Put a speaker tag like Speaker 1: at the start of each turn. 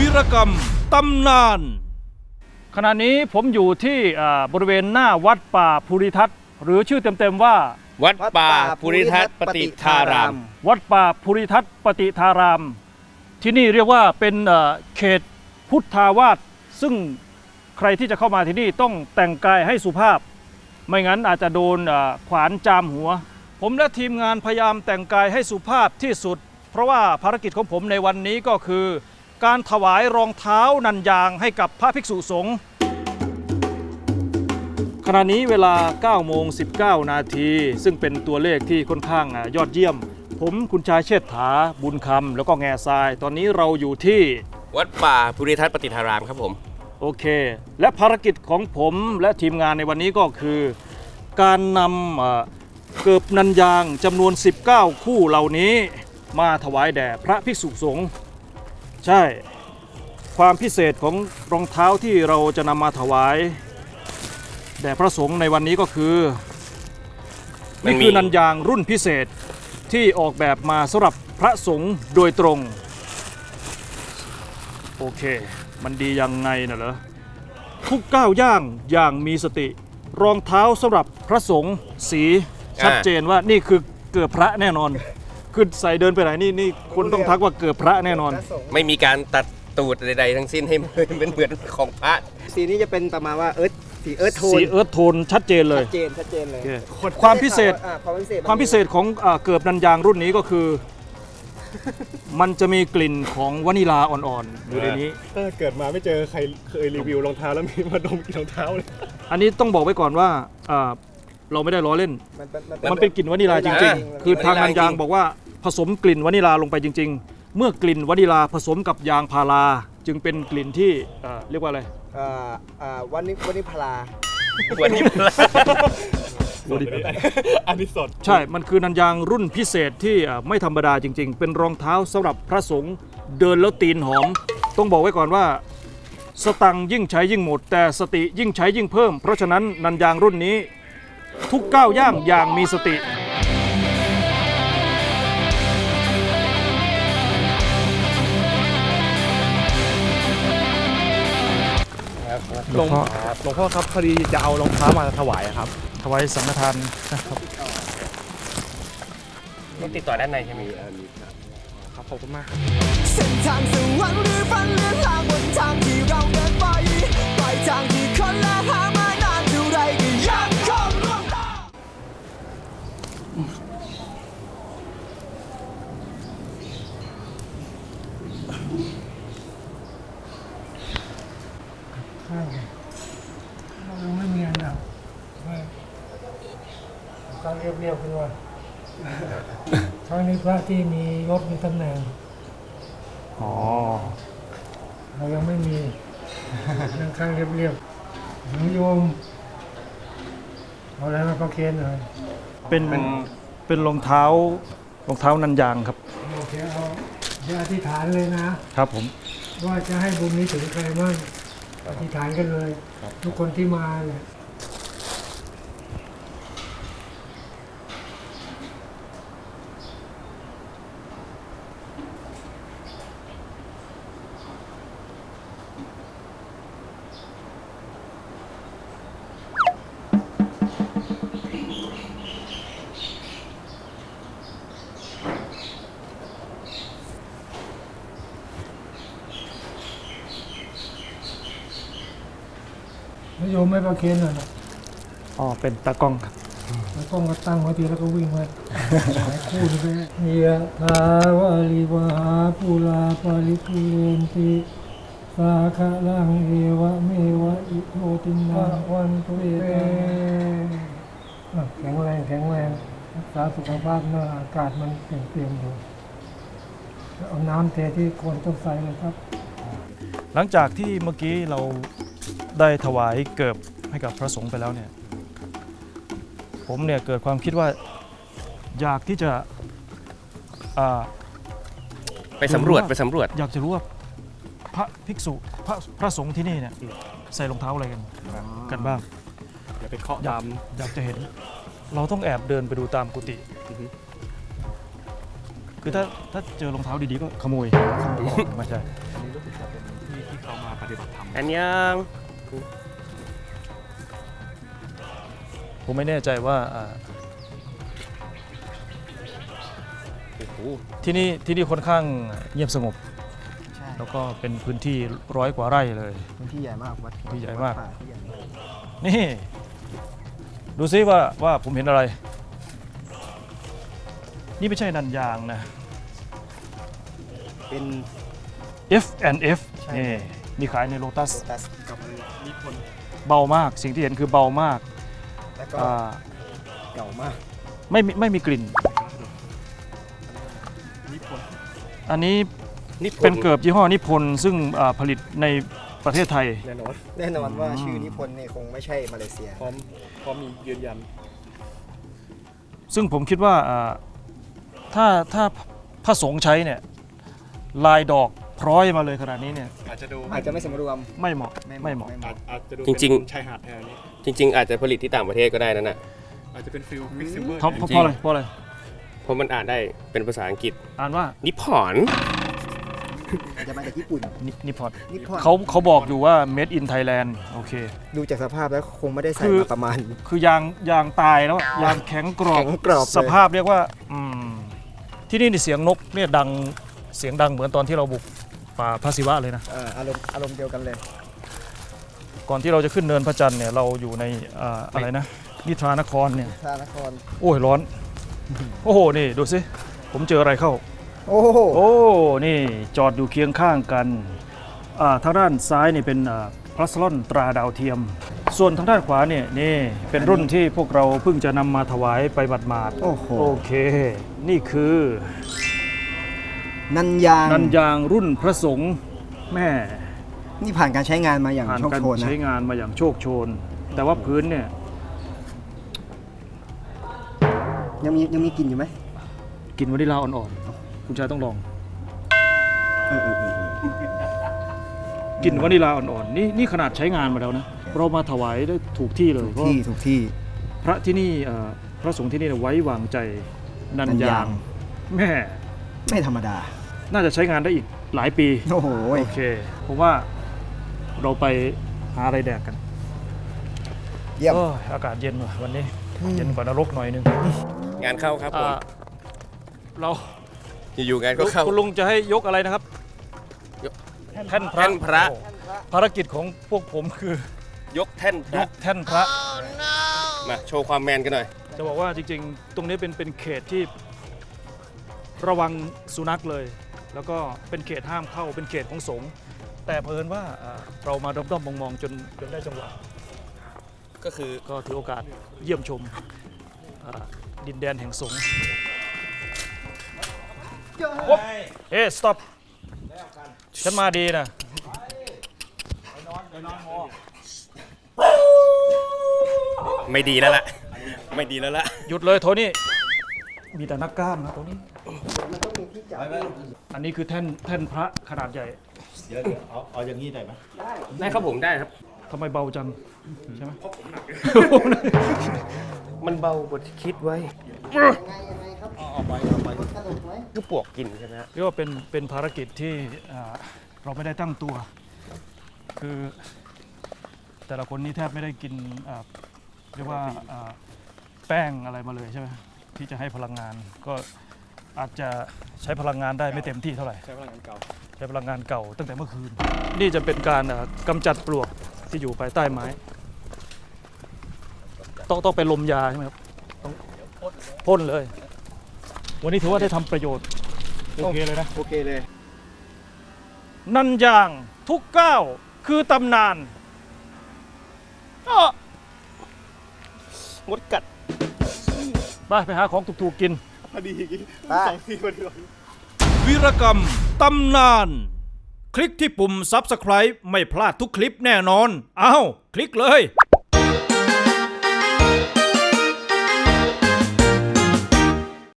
Speaker 1: วีรกรรมตำนาน
Speaker 2: ขณะนี้ผมอยู่ที่บริเวณหน้าวัดป่าภูริทัศน์หรือชื่อเต็มๆว่า
Speaker 3: วัดป่าภูริทัศน์ปฏิทาราม
Speaker 2: วัดป่าภูริทัศน์ปฏิทารามที่นี่เรียกว่าเป็นเขตพุทธาวาสซึ่งใครที่จะเข้ามาที่นี่ต้องแต่งกายให้สุภาพไม่งั้นอาจจะโดนขวานจามหัวผมและทีมงานพยายามแต่งกายให้สุภาพที่สุดเพราะว่าภารกิจของผมในวันนี้ก็คือการถวายรองเท้านันยางให้กับพระภิกษุสงฆ์ขณะนี้เวลา 9:19 นาทีซึ่งเป็นตัวเลขที่ค่อนข้างยอดเยี่ยมผมคุณชายเชษฐาบุญคำแล้วก็แง่ทรายตอนนี้เราอยู่ที่
Speaker 3: วัดป่าภูริทัศน์ปฏิทารามครับผม
Speaker 2: โอเคและภารกิจของผมและทีมงานในวันนี้ก็คือการนำเกิบนันยางจำนวน 19 คู่เหล่านี้มาถวายแด่พระภิกษุสงฆ์ใช่ความพิเศษของรองเท้าที่เราจะนำมาถวายแด่พระสงฆ์ในวันนี้ก็คือนี่คือนันยางรุ่นพิเศษที่ออกแบบมาสำหรับพระสงฆ์โดยตรงโอเคมันดียังไงน่ะเหรอทุกก้าวย่างอย่างมีสติรองเท้าสำหรับพระสงฆ์สีชัดเจนว่านี่คือเกือบพระแน่นอนคือใส่เดินไปไหนนี่คนต้องทักว่าเกือบพระแน่นอน
Speaker 3: ไม่มีการตัดตูดใดๆทั้งสิ้นให้เป็นเหมือนของพระ
Speaker 4: สีนี้จะเป็นประมาณว่าสีเอิร์ธโทน
Speaker 2: สีเอิร์ธโทนชัดเจนเลย
Speaker 4: ชัดเจนเลย
Speaker 2: ความพิเศษของเกิบนันยางรุ่นนี้ก็คือมันจะมีกลิ่นของวานิลาอ่อนๆอยู่ในนี้
Speaker 5: ถ้าเกิดมาไม่เจอใครเคยรีวิวรองเท้าแล้วมีมาดมกลิ่นรองเท้าเลย
Speaker 2: อันนี้ต้องบอกไว้ก่อนว่าเราไม่ได้ล้อเล่นมันเป็นกลิ่นวานิลาจริงๆคือทางนันยางบอกว่าผสมกลิ่นวานิลาลงไปจริงๆเมื่อกลิ่นวานิลาผสมกับยางพาราจึงเป็นกลิ่นที่เรียกว่าอะไร
Speaker 4: วานิพารา
Speaker 3: วันนี้
Speaker 5: อันนี้สด
Speaker 2: ใช่มันคือนันยางรุ่นพิเศษที่ไม่ธรรมดาจริงๆเป็นรองเท้าสำหรับพระสงฆ์เดินแล้วตีนหอมต้องบอกไว้ก่อนว่าสตังค์ยิ่งใช้ยิ่งหมดแต่สติยิ่งใช้ยิ่งเพิ่มเพราะฉะนั้นนันยางรุ่นนี้ทุกก้าวย่างอย่างมีสติ
Speaker 5: หลวงพ่อครับพอดีจะเอารองเท้ามาถวายครับ
Speaker 2: ถวายสังฆทานนะครับ
Speaker 3: ต้องติดต่อด้านในใช่ไหม
Speaker 5: ครับขอบคุณมาก
Speaker 6: เส้นทางสวรรค์หรือฝันเลือนลางบนทางที่เราเดินไปปลายทางที่คนละหามานานเท่าไรก็ยังคงร่วงตาม
Speaker 7: เราไม่มีอันดับการเรียบๆขึ้นว่าครั้งนี้พระที่มียศมีตำแหน่งเรายังไม่มีนั่งข้างเรียบๆหนูโยมเอาอะไรมาประเคนหน่อย
Speaker 2: เป็นรองเท้านันยางครับ
Speaker 7: โอเคเอาอธิษฐานเลยนะครับ
Speaker 2: ผม
Speaker 7: ว่าจะให้บุญนี้ถึงใครบ้างอธิษฐานกันเลยทุกคนที่มาเลยโยมไม่ประเคนหน่อยนะ
Speaker 2: เป็นตากล้องครับ
Speaker 7: ตากล้องก็ตั้งไว้ทีแล้วก็วิ่งไว้พูดไปยะถาวาลิวหาภูลาปาริปุเรนติสาคะลังเอวะเมวะอิโตตินะวันตุเตแข็งแรงรักษาสุขภาพหน้าอากาศมันเปลี่ยนอยู่เอาน้ำเทที่คนต้องใส่เลยครับ
Speaker 2: หลังจากที่เมื่อกี้เราได้ถวายเกิบให้กับพระสงฆ์ไปแล้วเนี่ยผมเนี่ยเกิดความคิดว่าอยากที่จะ
Speaker 3: ไปสำรวจ
Speaker 2: อยากจะรู้ว่าพระภิกษุพระสงฆ์ที่นี่เนี่ยใส่รองเท้าอะไรกันบ้าง
Speaker 5: อย่าไปเคาะ
Speaker 2: อยากจะเห็นเราต้องแอบเดินไปดูตามกุฏิคือถ้าเจอรองเท้าดีๆก็ขโมยไม่ใช่ที่เขามาปฏิบัติธรรม
Speaker 3: อันยัง
Speaker 2: ผมไม่แน่ใจว่าที่นี่ค่อนข้างเงียบสงบ
Speaker 4: ใช่
Speaker 2: แล้วก็เป็นพื้นที่100 กว่าไร่เลย
Speaker 4: พื้นที่ใหญ่มากวัด
Speaker 2: ที่ใหญ่มาก
Speaker 4: วัดป่ที่ใหญ่มาก
Speaker 2: นี่ ดูซิว่าผมเห็นอะไร นี่ไม่ใช่นันยางนะ
Speaker 4: เป็น
Speaker 2: F&F
Speaker 4: ใช่
Speaker 2: นี่มีขายในโลตัส
Speaker 4: โลตัสกับนิพนธ์
Speaker 2: เบามากสิ่งที่เห็นคือเบามาก
Speaker 4: แล้วก็
Speaker 2: อ่า
Speaker 4: เก่ามาก
Speaker 2: ไม่มีกลิ่น อันนี้
Speaker 3: นี่
Speaker 2: เป็นเกิบยี่ห้อนิพนธ์ซึ่งผลิตในประเทศไทย
Speaker 5: แน่นอน
Speaker 4: แน่นอนว่าชื่อนิพนธ์เนี่ยคงไม่ใช่มาเลเซีย
Speaker 5: พร้อมมียืนยัน
Speaker 2: ซึ่งผมคิดว่าถ้าพระสงฆ์ใช้เนี่ยลายดอกพร้อยมาเลยขนาดนี้เนี่ย
Speaker 5: อาจจะดู
Speaker 4: อาจจะไม่สมรวม
Speaker 2: ไม่เหมาะไม่เหมาะ
Speaker 5: อาจจะดู
Speaker 3: จริง
Speaker 5: ชายหาดแทนนี้
Speaker 3: ๆ จริง ๆ อาจจะผลิตที่ต่างประเทศก็ได้นั่นน่ะ
Speaker 5: อาจจะเป็นฟิลมิกซ์ซิเวอร์
Speaker 2: เพราะอะไรเพราะอะไร
Speaker 3: เพราะมันอ่านได้เป็นภาษาอังกฤษ
Speaker 2: อ่านว่า
Speaker 3: นิพพอน
Speaker 4: อาจจะมาจากญี่ปุ่น
Speaker 2: นิพอน
Speaker 4: นิพนธ์
Speaker 2: เขาบอกอยู่ว่า made in Thailand โอเค
Speaker 4: ดูจากสภาพแล้วคงไม่ได้ใส่
Speaker 2: คือ
Speaker 4: มาประมาณ
Speaker 2: คือยางตายแล้วอะยางแข็งกรอบ
Speaker 4: แข็งกรอบเลย
Speaker 2: สภาพเรียกว่าที่นี่เสียงนกเนี่ยเสียงดังเหมือนตอนที่เราบุกป่าพระศิวะเลยนะ
Speaker 4: อารมณ์เดียวกันเลย
Speaker 2: ก่อนที่เราจะขึ้นเนินพระจันทร์เนี่ยเราอยู่ในอะไรนะนิทรานครเนี่ย
Speaker 4: ท่านคร
Speaker 2: โอ้ยร้อน โอ้โหนี่ดูสิผมเจออะไรเข้า
Speaker 4: โอ้โห
Speaker 2: โอ้นี่จอดอยู่เคียงข้างกันทางด้านซ้ายนี่เป็นพลัสลอนตราดาวเทียม ส่วนทางด้านขวาเนี่ยนี่เป็นรุ่นที่พวกเราเพิ่งจะนำมาถวายไปบัดมาด
Speaker 4: โอ้โห
Speaker 2: โอเค นี่คือ
Speaker 4: นันยาง
Speaker 2: นันยางรุ่นพระสงฆ์แม่
Speaker 4: นี่ผ่านการใช้งานมาอย่าง
Speaker 2: ผ่าน
Speaker 4: โชค
Speaker 2: การ
Speaker 4: โชนนะ
Speaker 2: ใช้งานมาอย่างโชคโชน แต่ว่าพื้นเนี่ย
Speaker 4: ยังมีกลิ่นอยู่ไหม
Speaker 2: กลินวานิลลาอ่อนๆคุณชายต้องลองกลิ่นวานิลลาอ่อนๆนี่ขนาดใช้งานมาแล้วนะเรามาถวายได้ถูกที่เลยเพราะ
Speaker 4: ถูกที่
Speaker 2: พระที่นี่พระสงฆ์ที่นี่ไว้วางใจนัน
Speaker 4: นัน
Speaker 2: ยาย
Speaker 4: าง ง
Speaker 2: แม่
Speaker 4: ไม่ธรรมดา
Speaker 2: น่าจะใช้งานได้อีกหลายปี
Speaker 4: โอ้โห
Speaker 2: โอเคผมว่าเราไปหาอะไรแดกกัน
Speaker 4: เยี่ยม
Speaker 2: โอ้ยอากาศเย็นว่ะวันนี้เย็นกว่านรกหน่อยนึง
Speaker 3: งานเข้าครับผม
Speaker 2: เรา
Speaker 3: อยู่ๆงานก็เข้า
Speaker 2: คุณลุงจะให้ยกอะไรนะครับ
Speaker 3: ยก
Speaker 2: แท่นพระ
Speaker 3: แท่นพระ
Speaker 2: โอ้ภารกิจของพวกผมคือย
Speaker 3: กแท่นพ
Speaker 2: ย
Speaker 3: ระ
Speaker 2: กแท่นพระ
Speaker 3: มาโชว์ความแมนกันหน่อย
Speaker 2: จะบอกว่าจริงๆ ตรงนี้เป็นเขตที่ระวังสุนัขเลย แล้วก็เป็นเขตห้ามเข้าเป็นเขตของสงฆ์แต่เผอิญว่าเรามาด้อมๆมองๆจนได้จังหวะ
Speaker 3: ก็คือ
Speaker 2: ก็ถือโอกาสเยี่ยมชมดินแดนแห่งสงฆ์เฮ้ stop ฉันมาดีนะ
Speaker 3: ไม่ดีแล้วล่ะ ไม่ดีแล้วล่ะ
Speaker 2: หยุดเลยโทนี่มีแต่นักกล้ามนะตรงนี้อันนี้คือแท่นพระขนาดใหญ่
Speaker 3: ได้ครับผมได้ครับ
Speaker 2: ทำไมเบาจังใช่ไหม
Speaker 3: มันเบากว่าที่คิดไว้ก็ปวกกินใช่ไหมฮะ
Speaker 2: เรียกว่าเป็นภารกิจที่เราไม่ได้ตั้งตัว คือแต่ละคนนี่แทบไม่ได้กินเรียกว่าแป้งอะไรมาเลยใช่ไหมที่จะให้พลังงานก็อาจจะใช้พลังงานได้ไม่เต็มที่เท่าไหร่
Speaker 5: ใช้พลังงานเก่า
Speaker 2: ใช้พลังงานเก่าตั้งแต่เมื่อคืน นี่จะเป็นการกำจัดปลวกที่อยู่ภายใต้ไม้ ต้องเป็นลมยาใช่ไหมครับต้องพ่นเลย วันนี้ถือว่าได้ทำประโยชน์โอเคเลยนะ
Speaker 4: โอเคเลย
Speaker 2: นันยางทุกก้าวคือตำนานอ้อ
Speaker 3: มดกัด
Speaker 2: ไปหาของถูกๆกิน
Speaker 5: พอดี
Speaker 4: ป้า
Speaker 5: 2 ทีพอดี
Speaker 1: วีรกรรมตำนาน คลิกที่ปุ่ม Subscribe ไม่พลาดทุกคลิปแน่นอน อ้าว คลิกเลย